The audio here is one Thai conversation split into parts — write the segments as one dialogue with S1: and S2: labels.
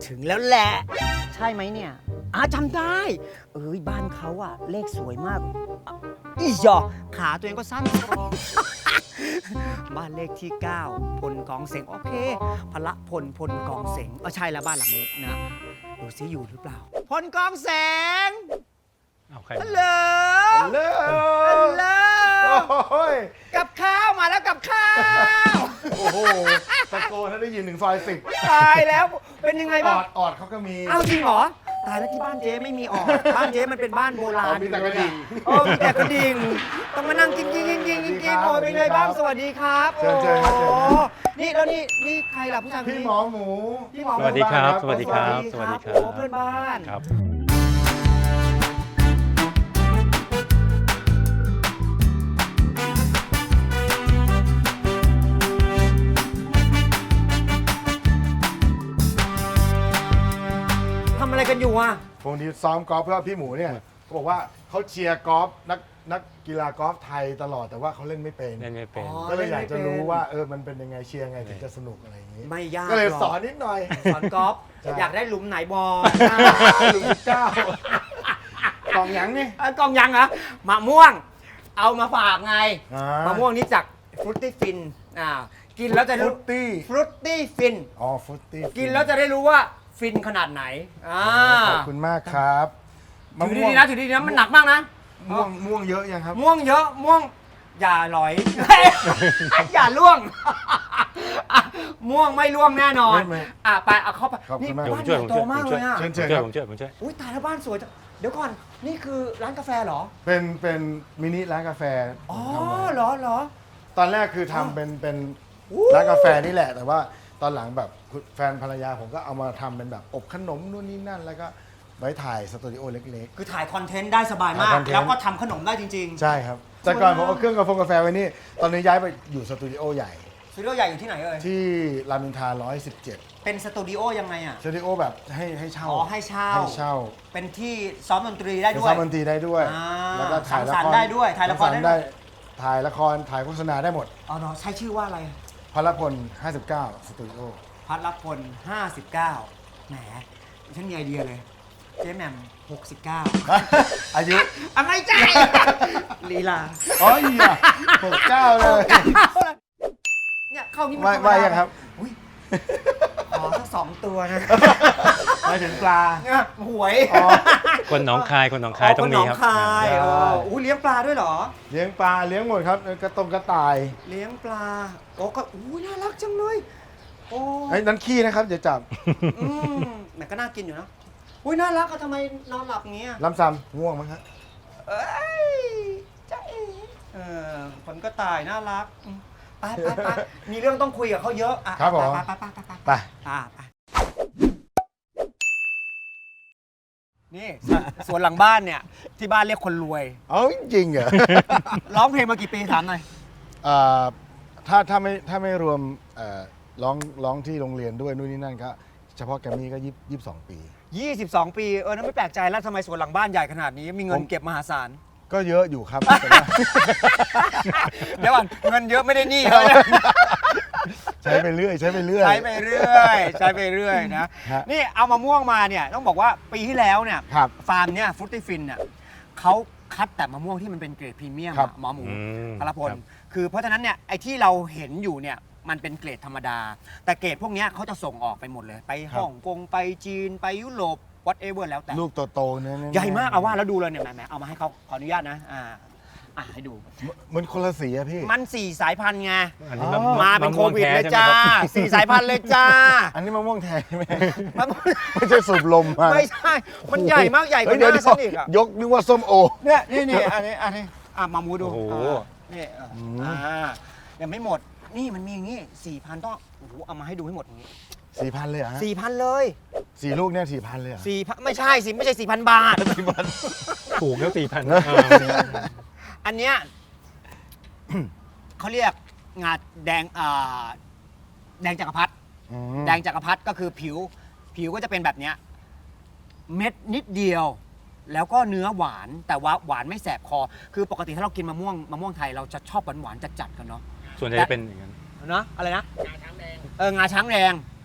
S1: ถึงแล้วแหละใช่ไหมเนี่ยจำได้บ้านเขาอะเลขสวยมากอีหยอขาตัวเองก็สั้น บ้านเลขที่ 9พลกองเสงโอเคพละพลกองเสงใช่แล้วบ้านหลังนี้นะดูซิอยู่หรือเปล่าพลกองเสง
S2: เอาใคร
S1: ฮัลโหล
S3: เลิก
S1: ฮัลโหล
S3: โอ้ย
S1: กับข้าวมาแล้วกับข้าว
S3: โอ้โหตะโกนให้ได้ยินถึงซอย10
S1: ตายแล้วเป็นยังไง
S3: อ
S1: บ้าง
S3: อดเขาก็มี
S1: อ้าวจริงเหรอตายแล้วที่บ้านเจ๊ไม่มีออกบ้านเจ๊มันเป็นบ้านโบราณ
S3: มีแต่กระดิ่ง
S1: มีแต่กระดิ่งต้องมานั่งกินโอ้ยเป็นไงบ้างสวัสดีครับ
S3: เชิญครับ
S1: โอ้นี่แล้วนี่ใครล่ะผู้ชายคน
S3: พี่
S1: นี้
S3: หมอหมู
S1: พี่หมอ
S2: สวัสดีครับ สวัสดีครับ
S1: สวัสดีครับโอ้เพื่อนบ้าน
S2: ครับ
S1: ทำอะไรกันอยู่อ่ะ
S3: พงดีซ้อมกอล์ฟเพราะพี่หมูเนี่ยเขาบอกว่าเขาเชียร์กอล์ฟนักกีฬากอล์ฟไทยตลอดแต่ว่าเขาเล่นไม่เป็น
S2: เล่นไม่เป็น
S3: ก็เลยอยากจะรู้ว่ามันเป็นยังไงเชียร์ยังไงถึงจะสนุกอะไรอย่างนี้
S1: ไม่ยาก
S3: ก็เลย
S1: หร
S3: สอนนิดหน่อย
S1: สอนกอล์ฟ
S3: ใช่
S1: อยากได้หลุมไหนบอล
S3: หลุมที่9กล่องหยังนี่
S1: กองยังเหรอมะม่วง เอามาฝากไง
S3: ม
S1: มะม่วงนี้จากฟรุตตี้ฟินกินแล้วจะ
S3: ฟรุ
S1: รู้
S3: ตตี้
S1: ฟรุตตี้ฟิน
S3: อ๋อฟรุตตี้
S1: กินแล้วจะได้รู้ว่าฟินขนาดไหน
S3: ขอบคุณมากครับมะ
S1: ถือ
S3: ม่วง
S1: ดีๆนะถือดีๆนะมันหนักมากนะ
S3: ม่วงเยอะยังครับ
S1: ม่วงเยอะม่วงอย่าหลอย อย่าล่วง ม่วงไม่ล่วงแน่นอน
S3: ไม่
S1: ไปเอาเข้าไป
S3: ขอบคุณ
S1: นี่
S3: มาก
S1: บ้านใหญ่โตมากเลยอ่ะ
S3: เชิญ
S2: ผมช่วยผมช่วย
S1: อุ้ยตายแล้วบ้านสวยจังเดี๋ยวก่อนนี่คือร้านกาแฟเหรอ
S3: เป็นมินิร้านกาแฟ
S1: อ๋อ
S3: ทำไว้
S1: เหรอ
S3: ตอนแรกคือทำเป็น
S1: อู้
S3: ร้านกาแฟนี่แหละ แต่ว่าตอนหลังแบบแฟนภรรยาผมก็เอามาทำเป็นแบบอบขนมนู่นนี่นั่น แล้วก็ไว้ถ่ายสตูดิโอเล็ก
S1: คือถ่ายคอนเทนต์ได้สบายมาก
S3: ถ่ายคอนเทนต์
S1: แล้วก็ทำขนมได้จริง
S3: ๆ ใช่ครับ แต่ก่อนผมเอาเครื่องกาแฟไว้นี่ ตอนนี้ย้ายไปอยู่สตูดิโอใหญ่
S1: ๆสตูดิโอใหญ่อยู่ที่ไหนเอ่ย
S3: ที่รามอินทรา117
S1: เป็นสตูดิโอยังไงอ่ะ
S3: สตูดิโอแบบให้เช่า
S1: อ๋อให้เช่า
S3: ให้เช่า
S1: เป็นที่ซ้อมดนตรีได้
S3: เป็น
S1: ด้วย
S3: ซ้อมดนตรีได้ด้วย แล้วก็ถ่ายละ
S1: สังสรร
S3: ค
S1: ค์
S3: ร
S1: ได้ด้วยถ่ายละครได้ด้วย
S3: ถ่ายละครถ่ายโฆษณาได้หมด
S1: อ๋อเนาะใช้ชื่อว่าอะไร
S3: พลพล59 สตูดิโอ
S1: พัทรพล59แหมฉันมีไอเดียเลย เจ๊แหม่ม69
S3: อายุ
S1: อะไรใจลีลา
S3: อ๋ออีอ่ะ69 เลย
S1: เนี่ยเข้านี่มัน
S3: ว่า
S1: ธรรมดา
S3: ยังครับ
S1: อุ๊ยขอสัก2 ตัวนะ
S3: หมายถึงปลา
S1: หวย
S2: คนหนองคายต้องมีครับ
S1: นหนองคาย
S3: ใช่
S1: อู้เลี้ยงปลาด้วยเหรอ
S3: เลี้ยงปลาเลี้ยงหมดครับกระต่าย
S1: เลี้ยงปลาโอ้ก็อู้น่ารักจังเลยโอ้
S3: ไอ้ยนั้นขี้นะครับอย่าจับ
S1: แต่ก็น่ากินอยู่นะอุ้ยน่ารักอะทำไมนอนหลับอย่างเงี้ย
S3: ลำซ้ำง่วงมั้งฮะ
S1: เอ้ยจ้าเอ๋คนก็ตายน่ารักไปมีเรื่องต้องคุยกับเขาเยอะอ่ะ
S3: ครับผม
S1: ไป
S3: ไป
S1: นี่สวนหลังบ้านเนี่ยที่บ้านเรียกคนรวย
S3: เอาจริงๆเหรอ
S1: ร้องเพลงมากี่ปีถามหน่อย
S3: เอ่อถ้าไม่รวมร้องที่โรงเรียนด้วยนู่นนี่นั่นก็เฉพาะแกรมมี่ก็22 ปี
S1: 22 ปีนั่นไม่แปลกใจแล้วทำไมสวนหลังบ้านใหญ่ขนาดนี้มีเงินเก็บมหาศาล
S3: ก็เยอะอยู่ครับแต่ว่า
S1: เดี๋ยวก่อนเงินเยอะไม่ได้หนี้
S3: ใช้ไปเรื่อย
S1: ใช้ไปเรื่อยนะ
S3: ฮะ
S1: นี่เอามะม่วงมาเนี่ยต้องบอกว่าปีที่แล้วเนี่ย
S3: ครับ
S1: ฟาร์มเนี่ยฟรุตตี้ฟินเนี่ยเขาคัดแต่มะม่วงที่มันเป็นเกรดพรีเมียม
S3: ครับ
S1: อะหมอหมู พลพล
S2: ครับ
S1: คือเพราะฉะนั้นเนี่ยไอ้ที่เราเห็นอยู่เนี่ยมันเป็นเกรดธรรมดา แต่เกรดพวกเนี้ยเขาจะส่งออกไปหมดเลย ไปฮ่องกงไปจีนไปยุโรป whatever แล้วแต่
S3: ลูกโตๆเนี่ย
S1: ใหญ่มากเอาว่าแล้วดูเลยเนี่ยแหมเอามาให้เขาขออนุญาตนะให้ดู
S3: มันคนละสีอะพี่
S1: มัน4 สายพันธุ์ไง
S2: อันนี้
S1: มาเป็นโควิดเลยจ้า
S2: ใช่ไหมครับ
S1: 4 สายพันธุ์เลยจ้า
S3: อันนี้มะม่วงแทนไหม
S1: มัน
S3: ไม่ใช่สูบลมมา
S1: ไม่ใช่ มันใหญ่มากใหญ่กว่าห
S3: เดี๋ยว
S1: น้าฉันอีกอะ
S3: ยกนึกว่าส้มโอ
S1: เนี่ยนี่อันนี้มามูดู
S2: โอ้โห
S1: นี่ยังไม่หมดนี่มันมีอย่างงี้ 4,000ต้องโอ้โหเอามาให้ดูให้หมดอย่างงี้
S3: 4,000 เลยเหรอฮะ
S1: 4,000 เลย
S3: 4 ลูกเนี่ย4,000 เลยเหรอ
S1: 4,000ไม่ใช่สิไม่ใช่ 4,000 บาท
S2: ถูกแล้ว4,000
S1: อันเนี้ย เขาเรียกงาแดงแดงจักรพรรดิ
S3: อืม
S1: แดงจักรพรรดิก็คือผิวก็จะเป็นแบบเนี้ยเม็ดนิดเดียว แล้วก็เนื้อหวานแต่ว่าหวานไม่แสบคอ คือปกติถ้าเรากินมะม่วงไทยเราจะชอบหวานๆจัดๆกันเนาะ
S2: ส่วนใหญ่จะเป็นอย่างนั้น
S1: นะอะไรนะงาช้างแดงงาช้างแดง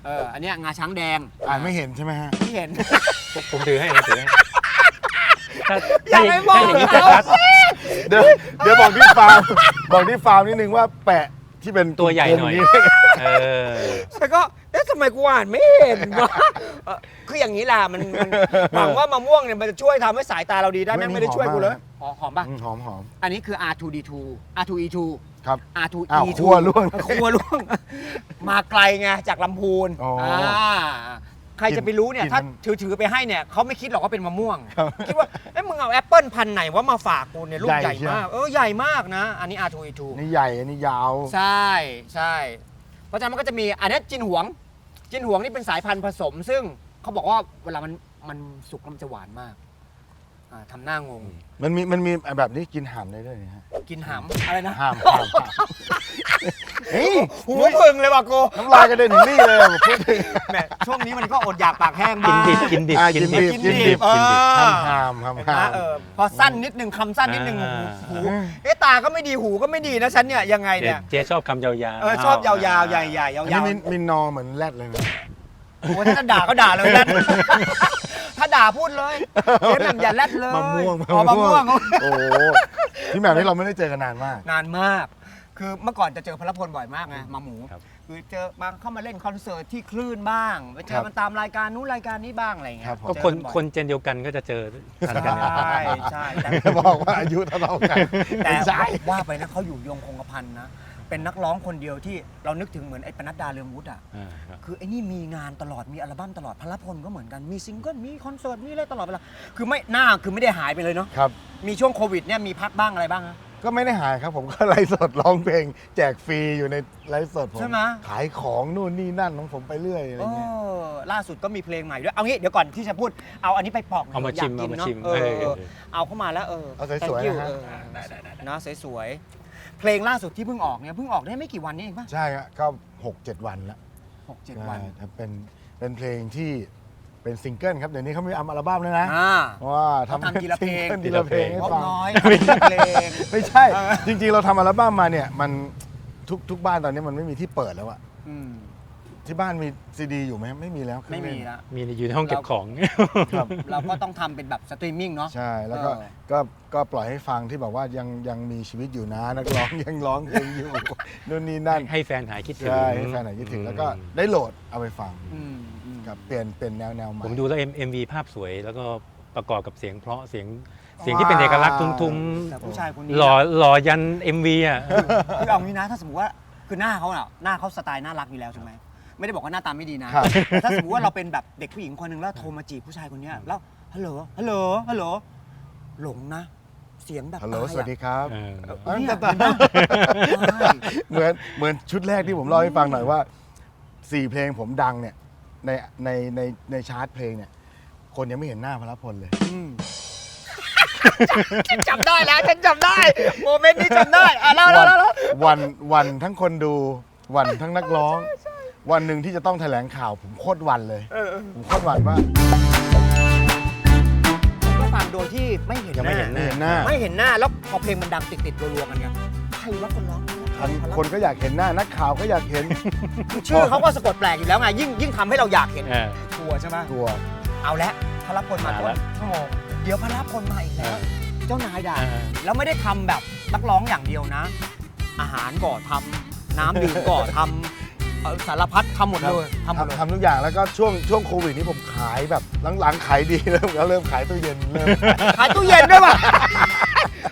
S1: อันเนี้ยงาช้างแดง
S3: อ่านไม่เห็นใช่ไหมฮะ
S1: ที่เห็น
S2: ผมถือให้ผมถือให้ถ้า
S1: อย่าไปบอก
S2: ถ้าอย่างนี้
S1: เขา
S2: ชัด
S3: เดี๋ยวบอกที่ฟาร์มบอกที่ฟาร์มนิดนึงว่าแปะที่เป็น
S2: ตัวใหญ่หน่อย
S3: กลมๆ
S2: เออ
S1: แล้วก็ทำไมกูอ่านไม่เห็นวะคืออย่างนี้แหละมันหวังว่ามะม่วงเนี่ยมันจะช่วยทำให้สายตาเราดีได้แม่งไม่ได้ช่วยกูเลยหอมป่ะ
S3: หอมหอม
S1: อันนี้คือ R2D2 R2E2
S3: ครับ
S1: R2E2
S3: อ้าวคั่วล่วง
S1: คั่วล่วง มาไกลไงจากลำพูน
S3: อ๋ออ่
S1: ใครจะไปรู้เนี่ย
S3: กิน
S1: ถ้า
S3: มัน
S1: ถือไปให้เนี่ยเขาไม่คิดหรอกว่าเป็นมะม่วง
S3: ครับ
S1: คิดว่ามึงเอาแอปเปิลพันธุ์ไหนว่ามาฝากกูเนี่ยลูก
S3: ให
S1: ให
S3: ญ่
S1: ญ่
S3: เชียว
S1: มากใหญ่มากนะ อันนี้ R2E2
S3: นี่ใหญ่อันนี้ยาว
S1: ใช่ใช่เพราะฉะนั้นมันก็จะมีอันนี้จินหวงนี่เป็นสายพันธุ์ผสม ซึ่งเขาบอกว่าเวลามันสุกแล้วมันจะหวานมากทำหน้างง
S3: มันมีแบบนี้กินห่ามได้ด้วยนะฮะ
S1: กินหำอะไรนะ
S3: ห่ามเฮ้ย
S1: หูพึ่งเลยว่ะกู
S3: น้ำลายกระเด็นถึงนี่เลยผมพูดถึง
S1: แหมช่วงนี้มันก็อดอยากปากแห้ง
S2: กิ
S1: บ้าน ง
S2: ดิบกินดิบ
S3: อ่ะ
S2: กิน
S3: กินดิ
S2: ดิ
S3: บ
S2: บ
S3: กินดิบ ห่าม
S1: เห็นไหมพอสั้นนิดนึงคำสั้นนิดนึงหูตาก็ไม่ดีหูก็ไม่ดีนะฉันเนี่ยยังไงเนี่ย
S2: เจ๊ชอบคำยาวๆ
S1: ชอบยาวๆใหญ่ๆยา
S3: อันนี้
S1: ว
S3: มินนอเหมือนแรดเลยนะ
S1: ๆโอ้ถ้าด่าก็ด่าเลยนะถ้าด่าพูดเลยเจ๊แหม่มอย่าแรดเลย
S3: มะม่วง
S1: อ๋อมะม่วง
S3: โอ้โหพี่แหม่มนี่เราไม่ได้เจอกันนานมาก
S1: นานมาก คือเมื่อก่อนจะเจอพลพลบ่อยมากไงมาหมู
S2: ครับ
S1: คือเจอบางเข้ามาเล่นคอนเสิร์ตที่คลื่นบ้างไปเจ
S3: ครั
S1: อบ มันตามรายการนู้นรายการนี้บ้างอะไรอย่างเงี้
S3: ครั
S1: ย
S3: บผม
S2: ก็
S1: เจอ
S2: คน
S1: บ่อย
S2: คนเจนเดียวกันก็จะเจอทันกันเนี่ย
S1: ใช่ใช่แต่
S3: บอกว่าอายุเท่าๆกัน
S1: แต่
S3: ไม่ใช่
S1: ว่าไปนะเขาอยู่ยงคงกระพันนะ เป็นนักร้องคนเดียวที่เรานึกถึงเหมือนไอ้ปนัดดาเรืองวุฒิอ่ะ
S2: ครับ
S1: คือไอ้นี่มีงานตลอดมีอัลบั้มตลอดพลพลก็เหมือนกันมีซิงเกิลมีคอนเสิร์ตมีอะไรตลอดเวลาคือไม่หน้าคือไม่ได้หายไปเลยเนาะ
S3: ครับ
S1: มีช่วงโควิดเนี่ยมีพักบ้างอะไรบ้างฮะ
S3: ก็ไม่ได้หายครับผมก็ไลฟ์สดร้องเพลง แจกฟรีอยู่ในไลฟ์สดผม
S1: ใช่ไหม
S3: ขายของนู่นนี่นั่นของผมไปเรื่อยอะไรเงี้ย
S1: ล่าสุดก็มีเพลงใหม่ด้วยเอางี้เดี๋ยวก่อนที่จะพูดเอาอันนี้ไปปอกหน่ย
S2: เอามาชิม
S1: ยกกิน
S2: เอามาชิม
S1: เนอะเอาเข้ามาแล้ว
S3: เอาสวยๆ
S1: thank you
S3: นะฮะ
S1: นะสวยๆเพลงล่าสุดที่เพิ่งออกเนี่ยเพิ่งออกได้ไม่กี่วันนี้เองป่ะ
S3: ใช่ครับก็ 6-7 วันแล้ว
S1: 6-7 วัน
S3: ครับเป็นเพลงที่เป็นซิงเกิลครับเดี๋ยวนี้เขามีอัลบั้มแล้วนะ
S1: อ่า
S3: ว่า
S1: เขาทำทีละเพลง
S3: ทีละเพลงให้
S1: งบ
S3: ฟัง
S1: น้อยเพลง
S3: ไม่ใช่ จริงๆ เราทำอัลบั้มมาเนี่ยมันทุกบ้านตอนนี้มันไม่มีที่เปิดแล้วอะ
S1: อืม
S3: ที่บ้านมีซีดีอยู่ไหมไม่มีแล้วเครื่
S1: ไม่
S3: อง
S1: มี
S3: เล่น
S1: ละ
S2: มีอยู่ในห้องเก็บของ
S3: ครับ
S1: เราก็ต้องทำเป็นแบบสตรีมมิ่งเนาะ
S3: ใช่แล้วก็
S1: เออ
S3: ก็ปล่อยให้ฟังที่แบบว่ายังมีชีวิตอยู่นะนักร้องยังร้องเพลงอยู่ นู่นนี่นั่น
S2: ให้แฟนหายคิดถึง
S3: ใช่ให้แฟนไหนคิดถึงแล้วก็ได้โหลดเอาไปฟัง
S1: อืม
S3: กับเปลี่ยนแนวใหม่
S2: ผมดูแล้ว MV ภาพสวยแล้วก็ประกอบกับเสียงเพราะเสียงที่เป็นเอกลักษณ์ทุ้ม
S1: แต่ผู้ชายคนนี้
S2: ๆหล่อยัน MV อ่ะ
S1: คือเอางี้นะถ้าสมมติว่าคือหน้าเขาอะหน้าเขาสไตล์น่ารักอยู่แล้วใช่ไหมไม่ได้บอกว่าหน้าตาไม่ดีนะครับ แต่ถ้าสมมติว่าเราเป็นแบบเด็กผู้หญิงคนหนึ่งแล้วโทรมาจีบผู้ชายคนเนี้ยแล้วฮัลโหลหลงนะ เสียงแบบ
S3: ฮัลโหล
S1: ตายอะ
S3: สวัสดีครับ
S1: เนี่ย
S3: เหมือนชุดแรกที่ผมเล่าให้ฟังหน่อยว่า 4 เพลงผมดังเนี่ยในชาร์ตเพลงเนี่ยคนยังไม่เห็นหน้าพลพลเลย
S1: ฉันจำได้แล้วฉันจำได้โมเมนต์นี้จำได้อ่ะเล่า
S3: วันทั้งคนดูวันทั้งนักร้อง วันหนึ่งที่จะต้องแถลงข่าวผมโคตรวันเลยผมโคตรวันว่า
S1: ก็ฟังโดยที่ไม่เห็น
S2: ยังไม่เห็น
S3: ไม่เห็นหน้า
S1: ไม่เห็นหน้าแล้วพอเพลงมันดังติดรัวๆกันไงใครว่าคนร้อง
S3: คนก็อยากเห็นหน้านักข่าวก็อยากเห็น
S1: คือชื่อเขาก็สะกดแปลกอยู่แล้วไงยิ่งทำให้เราอยากเห็น
S2: เออ
S1: กลัวใช่ไหม
S3: ตัว
S1: เอาละพลพลมา
S2: มา
S1: ต้
S2: แล้
S1: น
S2: ว
S1: ชั่วโมงเดี๋ยวพลพลมาอีกแล้ว เจ้านายด่า
S2: เออ
S1: แล้วไม่ได้ทำแบบนักร้องอย่างเดียวนะ อาหารก็ทำน้ำดื่มก็ทำสารพัดทำหมดเลยทำหมดเลย
S3: ทำทุกอย่างแล้วก็ช่วงโควิดนี้ผมขายแบบหลังๆขายดีเริ่มขายตู้เย็นเริ่ม
S1: ขายตู้เย็นด้วยป่ะ